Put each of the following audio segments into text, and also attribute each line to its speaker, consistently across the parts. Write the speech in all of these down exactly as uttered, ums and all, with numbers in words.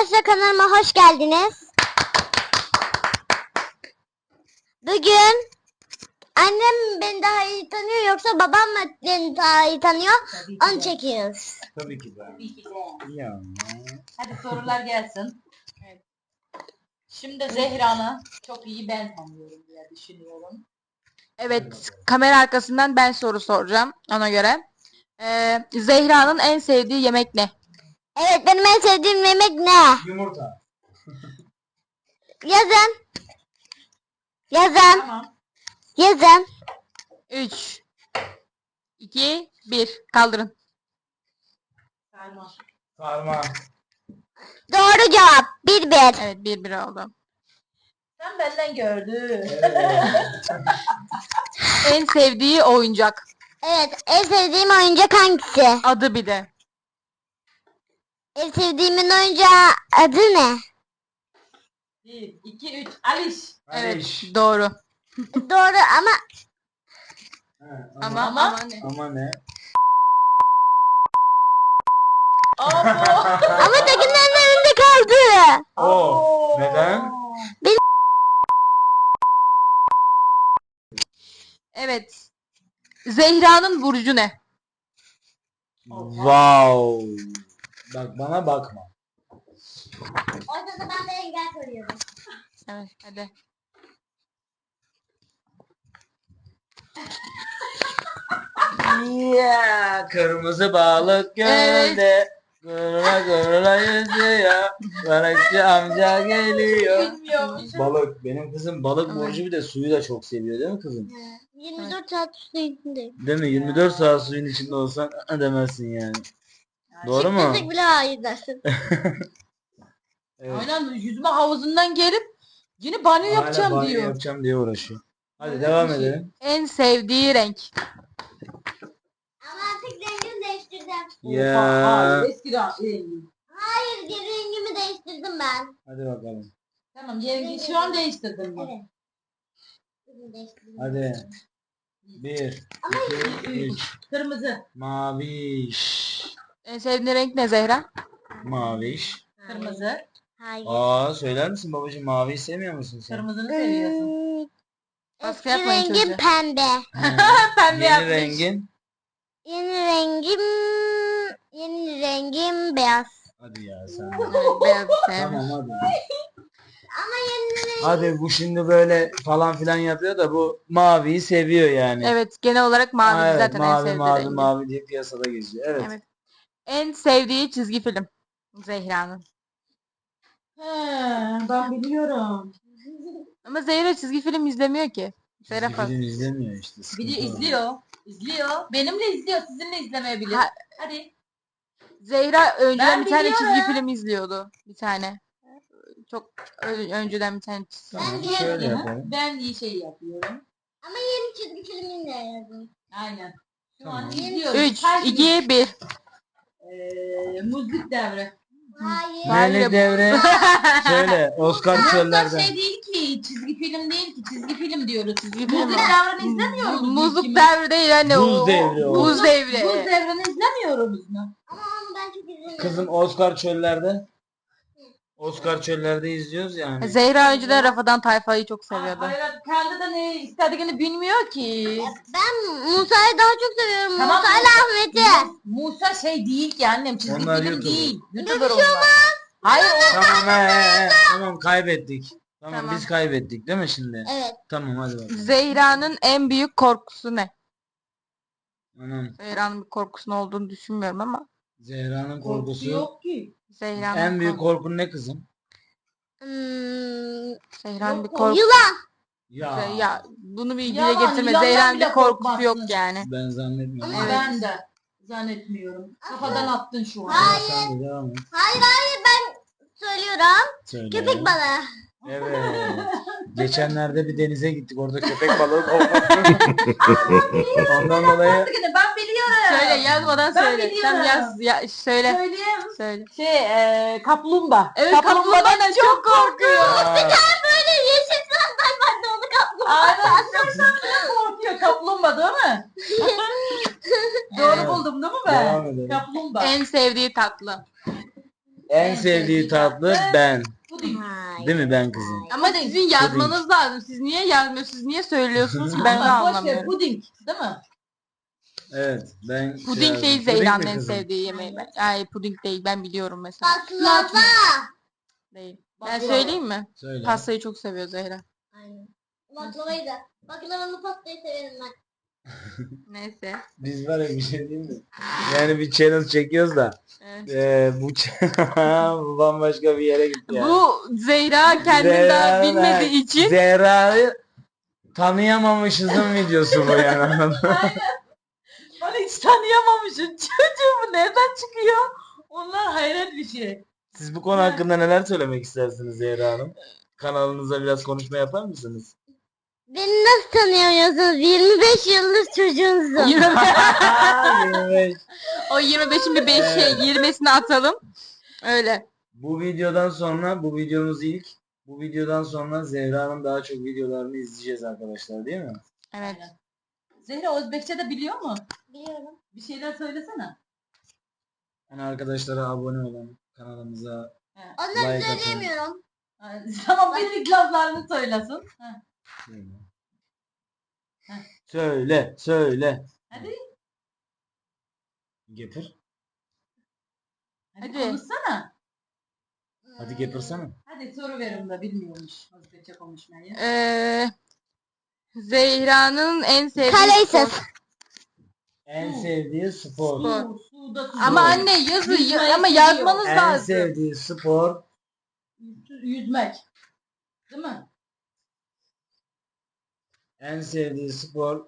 Speaker 1: Arkadaşlar kanalıma hoş geldiniz. Bugün annem beni daha iyi tanıyor yoksa babam mı beni daha iyi tanıyor? Onu çekiyoruz.
Speaker 2: Tabii ki de.
Speaker 3: Tabii ki de.
Speaker 2: Ya.
Speaker 3: Hadi sorular gelsin. Evet. Şimdi Zehra'nı çok iyi ben tanıyorum diye düşünüyorum.
Speaker 4: Evet, kamera arkasından ben soru soracağım ona göre. Ee, Zehra'nın en sevdiği yemek ne?
Speaker 1: Evet, benim en sevdiğim yemek ne?
Speaker 2: Yumurta.
Speaker 1: Yazın. Yazın.
Speaker 3: Tamam.
Speaker 1: Yazın.
Speaker 4: üç, iki, bir. Kaldırın.
Speaker 3: Sarma.
Speaker 2: Sarma.
Speaker 1: Doğru cevap. Bir bir.
Speaker 4: Evet, bir bir oldu.
Speaker 3: Sen benden gördün.
Speaker 2: Evet.
Speaker 4: En sevdiği oyuncak.
Speaker 1: Evet, en sevdiğim oyuncak hangisi?
Speaker 4: Adı bir de.
Speaker 1: En sevdiğimin oyuncağı adı ne?
Speaker 3: Bir, iki, üç. Aliş.
Speaker 4: Evet,
Speaker 2: Aliş.
Speaker 4: doğru.
Speaker 1: Doğru ama
Speaker 2: He,
Speaker 4: Ama
Speaker 2: ama,
Speaker 4: ama,
Speaker 3: Ama-
Speaker 4: ne?
Speaker 2: ama ne?
Speaker 3: Abo.
Speaker 1: ama takımların önünde kaldı.
Speaker 2: O. Neden?
Speaker 4: Evet. Zehra'nın burcu ne?
Speaker 2: Wow. Bak bana bakma.
Speaker 1: Ortada ben de engel koyuyorum.
Speaker 4: Evet, hadi.
Speaker 2: Ya kırmızı balık gölde. Gırla gırla yüzüyor. Balıkçı amca geliyor.
Speaker 3: Bilmiyormuşum.
Speaker 2: Balık. Benim kızım balık
Speaker 4: Evet.
Speaker 2: burcu, bir de suyu da çok seviyor değil mi kızım?
Speaker 1: yirmi dört saat üstündeyim.
Speaker 2: Değil mi? yirmi dört saat suyun içinde olsan ı demezsin yani. Doğru mu?
Speaker 1: Desek bile hayır dersin.
Speaker 2: Evet.
Speaker 3: Aynen yüzme havuzundan gelip yine banyo
Speaker 2: Hala
Speaker 3: yapacağım
Speaker 2: banyo
Speaker 3: diyor.
Speaker 2: yapacağım diye uğraşıyor. Hadi
Speaker 3: Evet,
Speaker 2: devam
Speaker 3: bir şey.
Speaker 2: edelim.
Speaker 4: En sevdiği renk.
Speaker 1: Ama artık rengimi değiştirdim.
Speaker 2: Ya.
Speaker 3: Oha, hayır, eski rengi.
Speaker 1: Hayır, geri rengimi değiştirdim ben.
Speaker 2: Hadi bakalım.
Speaker 3: Tamam, yengi şu an değiştirdim ben.
Speaker 1: Evet. Rengimi değiştirdim.
Speaker 2: Hadi. Bir, iki, üç.
Speaker 3: Kırmızı.
Speaker 2: Maviş.
Speaker 4: En sevdiğin renk ne Zehra?
Speaker 2: Maviş.
Speaker 3: Kırmızı.
Speaker 1: Hayır.
Speaker 2: Aa, söyler misin babacığım, maviyi sevmiyor musun sen?
Speaker 3: Kırmızını seviyorsun.
Speaker 1: Hmm,
Speaker 4: Baskı
Speaker 1: Eski
Speaker 4: yapmayın
Speaker 1: rengim
Speaker 4: çocuğa.
Speaker 1: pembe.
Speaker 2: He.
Speaker 3: Pembe
Speaker 2: Yeni
Speaker 3: yapmış.
Speaker 2: rengin.
Speaker 1: Yeni rengim yeni rengim beyaz.
Speaker 2: Hadi ya sen.
Speaker 4: Evet, beyaz sevmiş.
Speaker 2: Tamam hadi.
Speaker 1: Ama yeni renk
Speaker 2: Hadi bu şimdi böyle falan filan yapıyor da bu maviyi seviyor yani.
Speaker 4: Evet, genel olarak mavi
Speaker 2: Ha, evet,
Speaker 4: zaten en
Speaker 2: mavi
Speaker 4: sevdiği
Speaker 2: mavi
Speaker 4: rengi.
Speaker 2: mavi diye piyasada geziyor. Evet.
Speaker 4: Evet. En sevdiği çizgi film Zehra'nın.
Speaker 3: He, ben biliyorum.
Speaker 4: Ama Zehra çizgi film izlemiyor ki. Zehra
Speaker 2: Çizgi
Speaker 4: fazla.
Speaker 2: film izlemiyor işte. sıkıntı
Speaker 3: Biliyor,
Speaker 2: o.
Speaker 3: izliyor. İzliyor. Benimle izliyor, sizinle izlemeyebilir.
Speaker 4: Ha-
Speaker 3: Hadi.
Speaker 4: Zehra önceden
Speaker 3: Ben
Speaker 4: bir tane
Speaker 3: biliyorum.
Speaker 4: çizgi film izliyordu. Bir tane. Çok ö- önceden bir tane çizgi film.
Speaker 2: Tamam,
Speaker 1: Ben
Speaker 2: şöyle
Speaker 3: Hı hı.
Speaker 2: yapalım.
Speaker 3: Ben iyi şey yapıyorum.
Speaker 1: ama yeni çizgi filmini de yazdım.
Speaker 3: Aynen. Şu
Speaker 2: Tamam.
Speaker 3: an izliyoruz.
Speaker 4: üç,
Speaker 3: Her gün.
Speaker 4: iki, bir.
Speaker 3: Eee, müzik devri.
Speaker 1: Hayır.
Speaker 4: Hayır.
Speaker 2: Neyli devre? Söyle. Oscar
Speaker 3: Aslında
Speaker 2: çöllerden.
Speaker 3: şey değil ki, çizgi film değil ki, çizgi film diyoruz.
Speaker 4: Çizgi film.
Speaker 3: Müzik devrini izlemiyoruz. biz
Speaker 4: Muzluk
Speaker 3: ikimiz.
Speaker 4: devri değil anne.
Speaker 2: Buz
Speaker 4: o-
Speaker 2: devri o.
Speaker 4: Buz devri.
Speaker 3: Buz devrini izlemiyoruz mu?
Speaker 1: Ama onu ben çok izlemiyorum.
Speaker 2: Kızım Oscar çöllerde. Oscar çöllerde izliyoruz yani.
Speaker 4: Zehra önceden Rafadan Tayfa'yı çok seviyordu.
Speaker 3: Hayır, kendi de ne istediğini bilmiyor ki.
Speaker 1: Ben Musa'yı daha çok seviyorum.
Speaker 3: Tamam,
Speaker 1: Musa ile Ahmet'i.
Speaker 3: Musa şey değil ki annem, çizgi
Speaker 2: Onlar
Speaker 3: film
Speaker 2: YouTuber.
Speaker 3: değil. YouTuber onlar. Hayır, o
Speaker 2: Tamam he, he, he. Tamam kaybettik. Tamam,
Speaker 4: Tamam.
Speaker 2: biz kaybettik değil mi şimdi?
Speaker 1: Evet.
Speaker 2: Tamam hadi bakalım.
Speaker 4: Zehra'nın en büyük korkusu ne?
Speaker 2: Anam,
Speaker 4: Zehra'nın bir korkusunun olduğunu düşünmüyorum ama.
Speaker 2: Zehra'nın
Speaker 3: korkusu
Speaker 2: korkusu.
Speaker 3: yok ki.
Speaker 4: Zehra'nın
Speaker 2: En büyük
Speaker 4: korkusu.
Speaker 2: korkun ne kızım?
Speaker 1: Hmm,
Speaker 4: Zehra'nın
Speaker 3: Yok,
Speaker 4: bir korkusu.
Speaker 1: yılan.
Speaker 2: Ya,
Speaker 4: Ya bunu bir dile
Speaker 3: Yalan,
Speaker 4: getirme.
Speaker 3: yılandan
Speaker 4: Zehra'nın
Speaker 3: bile
Speaker 4: bir korkusu yok
Speaker 3: korkmazsın.
Speaker 4: yani.
Speaker 2: ben zannetmiyorum.
Speaker 3: Ama
Speaker 4: Evet.
Speaker 3: ben de zannetmiyorum. Kafadan attın şu an.
Speaker 1: Hayır.
Speaker 2: Sen de devam et.
Speaker 1: Hayır hayır ben söylüyorum.
Speaker 2: Söyle.
Speaker 1: Köpek balığı.
Speaker 2: Evet. Geçenlerde bir denize gittik. Orada köpek balığı korkuttu. Ondan dolayı
Speaker 3: Artık yine ben biliyorum.
Speaker 4: Söyle yazmadan
Speaker 3: Ben
Speaker 4: söyle.
Speaker 3: biliyorum.
Speaker 4: Sen yaz ya söyle.
Speaker 3: Söyleyeyim.
Speaker 4: Söyle.
Speaker 3: Şey, e, kaplumbağa.
Speaker 4: Evet
Speaker 3: Kaplumbağadan
Speaker 4: kaplumbağadan çok korkuyor.
Speaker 2: Aa,
Speaker 1: Böyle yeşil sandal vardı onu kaplumbağa.
Speaker 3: Aynen, çok korkuyor kaplumbağa değil mi? Doğru
Speaker 2: Evet.
Speaker 3: buldum değil mi
Speaker 2: Devam
Speaker 3: ben?
Speaker 2: edelim.
Speaker 3: Kaplumbağa.
Speaker 4: En sevdiği tatlı.
Speaker 2: En sevdiği tatlı ben.
Speaker 3: Puding.
Speaker 1: Hayır.
Speaker 2: Değil mi ben kızım?
Speaker 4: Ama sizin yazmanız lazım. Siz niye yazmıyorsunuz? Siz niye söylüyorsunuz ki? Ben de
Speaker 3: Ama boş ver,
Speaker 4: anlamıyorum.
Speaker 3: puding değil mi?
Speaker 2: Evet ben şey
Speaker 4: Puding
Speaker 2: yazdım.
Speaker 4: değil
Speaker 2: Puding
Speaker 4: Zehra'nın
Speaker 2: mi
Speaker 4: en
Speaker 2: kızım?
Speaker 4: sevdiği yemeği. Ben. Ay puding değil ben biliyorum mesela.
Speaker 1: Baklava.
Speaker 4: Değil. Ben
Speaker 3: Baklava.
Speaker 4: söyleyeyim mi?
Speaker 2: Söyle.
Speaker 4: Pastayı çok seviyor Zehra.
Speaker 1: Aynen. Baklavayı da. Baklavalı pastayı severim ben.
Speaker 4: Neyse.
Speaker 2: Biz var ya bir şey diyeyim mi? Yani bir channel çekiyoruz da
Speaker 4: Evet.
Speaker 2: eee bu channel bu bambaşka bir yere gitti yani.
Speaker 4: Bu Zehra kendini daha
Speaker 2: Zehra'nın-
Speaker 4: bilmediği için
Speaker 2: Zehra'yı tanıyamamışızın videosu bu yani. anladın mı?
Speaker 3: Bana hiç tanıyamamışım. Çocuğum bu nereden çıkıyor? Onlar hayret bir şey.
Speaker 2: Siz bu konu hakkında neler söylemek istersiniz Zehra Hanım? Kanalınıza biraz konuşma yapar mısınız?
Speaker 1: Beni nasıl tanıyamıyorsunuz? yirmi beş yıllık çocuğunuzum.
Speaker 2: yirmi beş.
Speaker 4: o yirmi beşin bir beş
Speaker 2: Evet.
Speaker 4: şey yirmisini atalım. Öyle.
Speaker 2: Bu videodan sonra bu videomuz ilk. Bu videodan sonra Zehra'nın daha çok videolarını izleyeceğiz arkadaşlar değil mi?
Speaker 4: Evet.
Speaker 3: Aynen. Zehra Özbekçe de biliyor mu?
Speaker 1: Biliyorum.
Speaker 3: Bir şeyler söylesene.
Speaker 2: Yani arkadaşlara abone olun. Kanalımıza
Speaker 1: Onları
Speaker 2: like atın.
Speaker 1: söyleyemiyorum.
Speaker 3: Ha, tamam bildik laflarını söylesin. Ha,
Speaker 2: Söyle.
Speaker 3: Heh.
Speaker 2: Söyle, söyle.
Speaker 3: hadi.
Speaker 2: Getir.
Speaker 3: Hadi,
Speaker 4: Hadi.
Speaker 3: konuşsana.
Speaker 2: Hadi getirsene.
Speaker 3: Hadi soru verim de bilmiyormuş Özbekçe konuşmayı.
Speaker 4: Ee, Zehra'nın en sevdiği
Speaker 1: Kaleysez.
Speaker 4: spor.
Speaker 2: En sevdiği spor.
Speaker 4: Spor.
Speaker 3: Su, suda su.
Speaker 4: Ama anne yazı
Speaker 3: Yüzmeyi
Speaker 4: ama
Speaker 3: seviyor.
Speaker 4: yazmanız
Speaker 2: En
Speaker 4: lazım.
Speaker 2: sevdiği spor.
Speaker 3: Yüzmek. Değil mi?
Speaker 2: En sevdiği spor.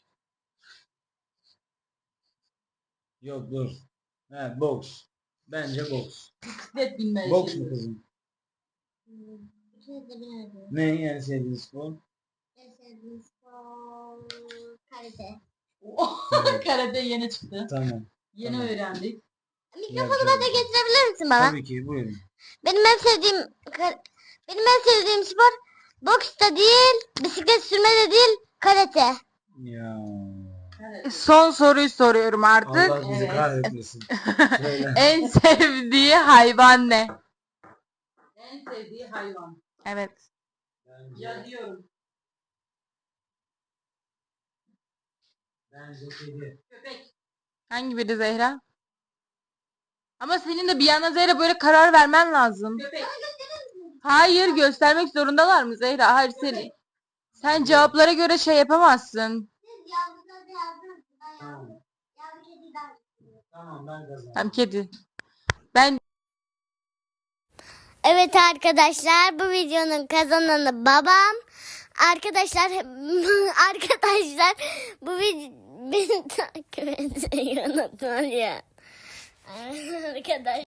Speaker 2: Yok dur. He, boks. Bence boks.
Speaker 3: Bisiklet binmeyi
Speaker 2: Boks mu
Speaker 3: seviyor.
Speaker 2: kızım?
Speaker 1: İkiniz de bilemedim.
Speaker 2: Ne en sevdiğin spor?
Speaker 1: En sevdiğim spor karate.
Speaker 3: Karate yeni çıktı.
Speaker 2: Tamam.
Speaker 3: Yeni
Speaker 2: Tamam.
Speaker 3: öğrendik.
Speaker 1: Mikrofonu da getirebilir misin bana?
Speaker 2: Tabii ki buyurun.
Speaker 1: Benim en sevdiğim kar- benim en sevdiğim spor boks da değil, bisiklet sürme de değil, karate.
Speaker 2: Ya.
Speaker 3: Evet.
Speaker 4: Son soruyu soruyorum artık.
Speaker 2: Allah bizi
Speaker 3: Evet.
Speaker 2: kahretmesin. Söyle.
Speaker 4: En sevdiği hayvan ne?
Speaker 3: En sevdiği hayvan.
Speaker 4: Evet.
Speaker 2: Bence,
Speaker 3: Yazıyorum.
Speaker 2: bence kedi.
Speaker 3: Köpek.
Speaker 4: Hangi biri Zehra? Ama senin de bir yana Zehra böyle karar vermen lazım.
Speaker 3: Köpek.
Speaker 4: Hayır göstermek zorundalar mı Zehra? Hayır sen, sen cevaplara göre şey yapamazsın.
Speaker 1: Siz yavruda yazdınız. Ben
Speaker 2: Tamam.
Speaker 1: Yavru kedi ben.
Speaker 2: Tamam ben kazandım.
Speaker 4: Tam kedi. Ben
Speaker 1: Evet arkadaşlar, bu videonun kazananı babam. Arkadaşlar arkadaşlar bu video beni takip etmeyi unutmayın. Arkadaşlar